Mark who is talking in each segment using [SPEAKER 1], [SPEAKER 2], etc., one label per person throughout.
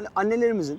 [SPEAKER 1] Hani annelerimizin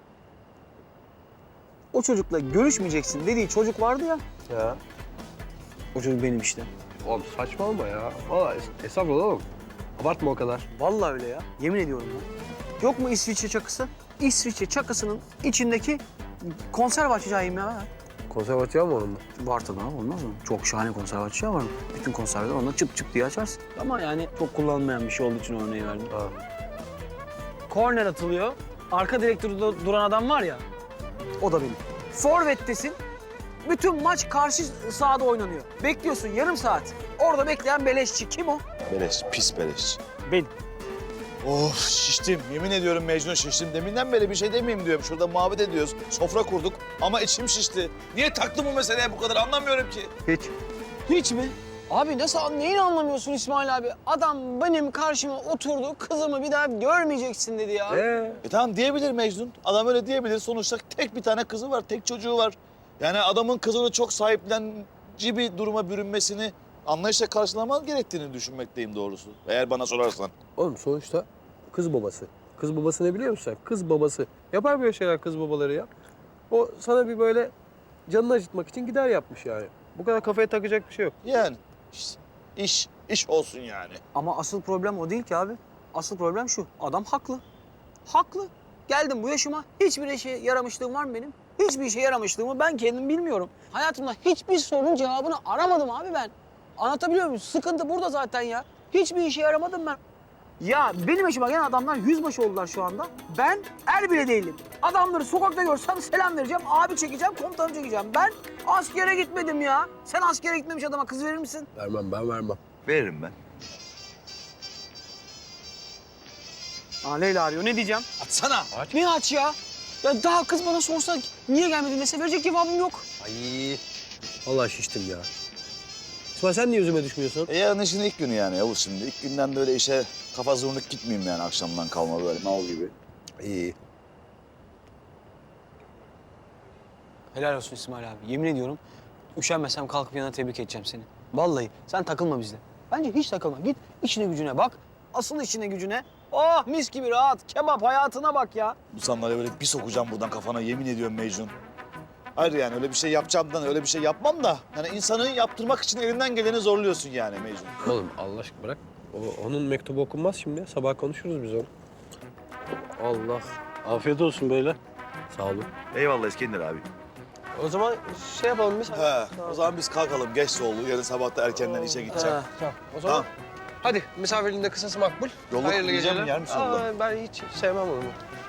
[SPEAKER 1] o çocukla görüşmeyeceksin dediği çocuk vardı ya.
[SPEAKER 2] Ya.
[SPEAKER 1] O çocuk benim işte.
[SPEAKER 2] Oğlum saçmalama ya. Vallahi estağfurullah oğlum. Abartma o kadar.
[SPEAKER 1] Vallahi öyle ya. Yemin ediyorum ya. Yok mu İsviçre çakısı? İsviçre çakısının içindeki konserve açacağım ya.
[SPEAKER 2] Konservatuvar mı onun mu?
[SPEAKER 1] Var tabii abi, olmaz mı? Çok şahane konserve açacağı var. Bütün konserveler onunla çıp çıp diye açarsın. Ama yani çok kullanılmayan bir şey olduğu için örneği verdim.
[SPEAKER 2] Ha.
[SPEAKER 1] Korner atılıyor. Arka direktörde duran adam var ya. O da benim. Forvet'tesin. Bütün maç karşı sahada oynanıyor. Bekliyorsun yarım saat. Orada bekleyen beleşçi. Kim o?
[SPEAKER 3] Beleş, pis beleş.
[SPEAKER 1] Ben.
[SPEAKER 3] Of şiştim. Yemin ediyorum Mecnun şiştim. Deminden beri bir şey demeyeyim diyorum. Şurada muhabbet ediyoruz. Sofra kurduk ama içim şişti. Niye taktım bu meseleye bu kadar anlamıyorum ki.
[SPEAKER 1] Hiç. Hiç mi? Abi nasıl, neyini anlamıyorsun İsmail abi? Adam benim karşıma oturdu, kızımı bir daha görmeyeceksin dedi ya.
[SPEAKER 3] Tamam diyebilir Mecnun. Adam öyle diyebilir. Sonuçta tek bir tane kızı var, tek çocuğu var. Yani adamın kızını çok sahiplenici bir duruma bürünmesini anlayışla karşılaman gerektiğini düşünmekteyim doğrusu. Eğer bana sorarsan.
[SPEAKER 2] Oğlum sonuçta kız babası. Kız babası ne biliyor musun sen? Kız babası. Yapar böyle şeyler kız babaları ya. O sana bir böyle canını acıtmak için gider yapmış yani. Bu kadar kafaya takacak bir şey yok.
[SPEAKER 3] Yani iş olsun yani.
[SPEAKER 1] Ama asıl problem o değil ki abi. Asıl problem şu, adam haklı. Haklı. Geldim bu yaşıma, hiçbir işe yaramışlığım var mı benim? Hiçbir işe yaramışlığımı ben kendim bilmiyorum. Hayatımda hiçbir sorunun cevabını aramadım abi ben. Anlatabiliyor muyum? Sıkıntı burada zaten ya. Hiçbir işe yaramadım ben. Ya benim yaşıma gelen adamlar yüzbaşı oldular şu anda. Ben er bile değilim. Adamları sokakta görsem selam vereceğim, abi çekeceğim, komutanım çekeceğim. Ben askere gitmedim ya. Sen askere gitmemiş adama kız verir misin?
[SPEAKER 2] Vermem, ben vermem.
[SPEAKER 3] Veririm ben.
[SPEAKER 1] Leyla arıyor, ne diyeceğim?
[SPEAKER 3] Atsana.
[SPEAKER 1] Ne aç ya? Ya daha kız bana sorsa niye gelmedin dese verecek cevabım yok.
[SPEAKER 2] Ay. Vallahi şiştim ya. İsmail sen niye yüzüme düşmüyorsun?
[SPEAKER 3] Yarın işin ilk günü yani Yavuz şimdi. İlk günden böyle işe kafa zurnuk gitmeyeyim yani akşamdan kalma böyle mal gibi.
[SPEAKER 2] İyi.
[SPEAKER 1] Helal olsun İsmail abi. Yemin ediyorum üşenmesem kalkıp yanına tebrik edeceğim seni. Vallahi sen takılma bizle. Bence hiç takılma. Git işine gücüne bak. Asıl işine gücüne. Oh mis gibi rahat. Kebap hayatına bak ya.
[SPEAKER 3] Bu sandalyeye böyle bir sokacağım buradan kafana yemin ediyorum Mecnun. Hayır yani öyle bir şey yapacağımdan öyle bir şey yapmam da. Yani insanı yaptırmak için elinden geleni zorluyorsun yani Mecnun.
[SPEAKER 2] Oğlum Allah aşkına bırak. Onun mektubu okunmaz şimdi. Sabah konuşuruz biz onu. Allah. Afiyet olsun böyle. Sağ olun.
[SPEAKER 3] Eyvallah İskender abi.
[SPEAKER 2] O zaman şey yapalım biz.
[SPEAKER 3] He, o zaman biz kalkalım. Geç oldu. Yarın sabah da erkenden işe gideceğim.
[SPEAKER 2] Tamam. O zaman
[SPEAKER 3] Tamam.
[SPEAKER 2] hadi misafirliğin de kısası makbul.
[SPEAKER 3] Yolluk
[SPEAKER 2] Hayırlı
[SPEAKER 3] yiyeceğim mi,
[SPEAKER 2] geceler.
[SPEAKER 3] yer misin yolluk?
[SPEAKER 2] Ben hiç sevmem onu.